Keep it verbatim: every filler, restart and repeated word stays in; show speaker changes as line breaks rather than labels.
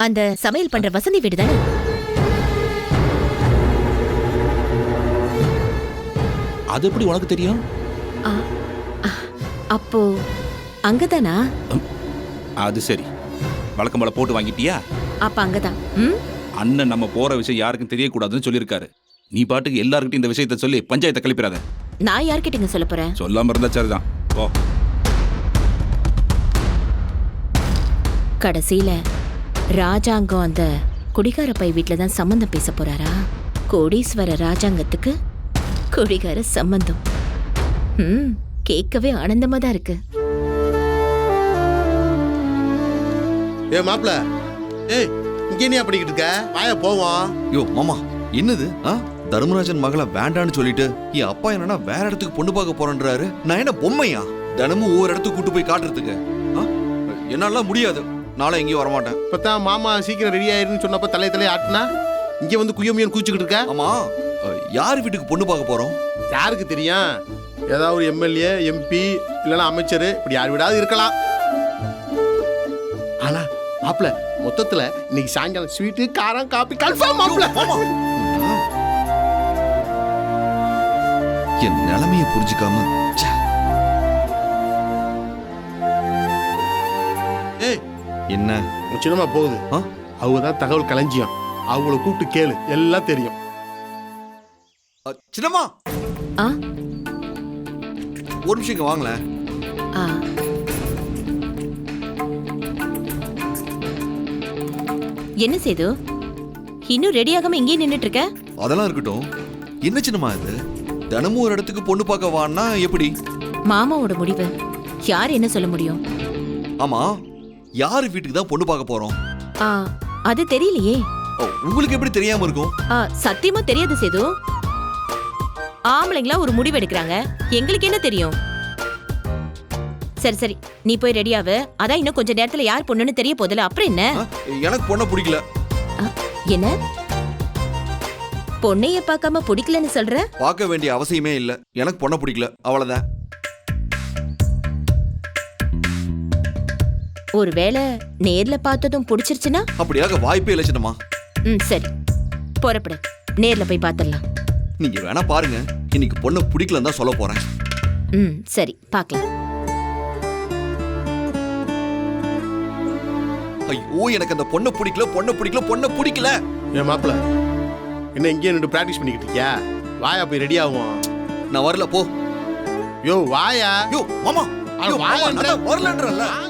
அந்த சமையல் பண்ற வசந்தி வீடு தானே?
அது எப்படி உனக்கு தெரியும்?
அப்போ அங்கதானா?
அது சரி, வழக்கம் போல போட்டு வாங்கிட்டியா?
அப்ப அங்கதான்.
அண்ணன் நம்ம போற விஷயம் யாருக்கும் தெரியக்கூடாதுன்னு சொல்லியிருக்காரு. நீ பாட்டுக்கு எல்லாருக்கிட்டையும் இந்த விஷயத்த சொல்லி பஞ்சாயத்தை கிளப்பிடாத.
நான் யார்கிட்டங்க சொல்ல போறேன்?
சொல்லாம இருந்தா சரிதான். போ.
கடைசியில ராஜாங்கம் அந்த குடிகார பை வீட்டுல தான் சம்பந்தம் பேச போறாரா? கோடீஸ்வர ராஜாங்கத்துக்கு குடிகார சம்பந்தம். ம் கேட்கவே ஆனந்தமா தான் இருக்கு.
ஏ மாப்ள, ஏய் இங்கே நீ அப்படிக்கிட்டு இருக்க? வாயா போவோம்.
யோ மாமா, என்னது? தர்மராஜன் மகளை வேண்டான்னு சொல்லிட்டு என் அப்பா என்னன்னா வேற இடத்துக்கு பொண்ணு பார்க்க போறேன்றாரு. நான் என்ன பொம்மையா தினமும் ஒவ்வொரு இடத்துக்கு கூட்டு போய் காட்டுறதுக்கு? என்னால முடியாது. நாளை எங்கேயும் வரமாட்டேன்.
இப்பதான் மாமா சீக்கிரம் ரெடி ஆயிருன்னு சொன்னப்ப தலைய தலைய ஆட்டினா இங்க வந்து குயமியன் கூச்சிக்கிட்டு இருக்க.
ஆமா, யார் வீட்டுக்கு பொண்ணு பார்க்க போறோம்?
யாருக்கு தெரியும்? ஏதாவது ஒரு எம்எல்ஏ, எம்பி இல்லைன்னா அமைச்சர், இப்படி யார் வீடாவது இருக்கலாம். ஆனா மாப்ள, மொத்தத்துல இன்னைக்கு சாயங்காலம் ஸ்வீட்டு, காரம், காபி கன்ஃபார்ம் மாப்ள.
என் நிலைமையை புரிஞ்சுக்காம
ஏய்
என்ன
சின்னமா போகுது. அவங்க தான் தகவல் களஞ்சியம். அவங்கள கூப்பிட்டு கேளு, எல்லாம் தெரியும்.
சின்னம்மா,
ஆ
ஒரு நிமிஷம் இங்க வாங்களேன்.
ஆ என்ன செய்து இன்னும் ரெடி ஆகாம இங்கே நின்னுட்டு இருக்க?
அதெல்லாம் இருக்கட்டும். என்ன சின்னம்மா இது? தினமும் ஒரு இடத்துக்கு பொண்ணு பார்க்க வான்னா எப்படி?
மாமாவோட முடிவு யார் என்ன சொல்ல முடியும்?
ஆமா, யாரு வீட்டுக்கு தான் பொண்ணு பார்க்க போறோம்?
ஆ அது தெரியலையே.
உங்களுக்கு எப்படி தெரியாம இருக்கும்?
ஆ சத்தியமா தெரியாது சேது. ஆம்பளைங்களா ஒரு முடிவு எடுக்கிறாங்க, எங்களுக்கு என்ன தெரியும்? சரி சரி, நீ போய் ரெடியாவு. அதான் இன்னும் கொஞ்ச நேரத்துல யார் பொண்ணுன்னு தெரிய போதில்ல. அப்புறம் என்ன?
எனக்கு பொண்ணை பிடிக்கல.
என்ன பொண்ணைய பார்க்காம பிடிக்கலன்னு சொல்ற?
பார்க்க வேண்டிய அவசியமே இல்ல. எனக்கு பொண்ணை பிடிக்கல, அவ்வளவுதான்.
ஒருவேளை நேர்ல பார்த்ததும் பிடிச்சிருச்சுன்னா?
அப்படியாக வாய்ப்பே இல்லை சின்னம்மா.
ம் சரி, புறப்படு, நேர்ல போய் பார்த்துடலாம்.
நீங்க வேணா பாருங்க, இன்னைக்கு பொண்ணை பிடிக்கலன்னு தான் சொல்ல போறேன்.
ம் சரி, பார்க்கலாம்.
ஐயோ, எனக்கு அந்த பொண்ணை பிடிக்கல, பொண்ணை பிடிக்கல, பொண்ணை பிடிக்கல.
ஏன் மாப்பிள, என்ன இங்கே நின்று பிராக்டிஸ் பண்ணிக்கிட்டு இருக்கியா? வாயா போய் ரெடி ஆகும்.
நான் வரல, போ.
யோ வாயா.
யோ மாமா,
வாயா
வரலன்றல.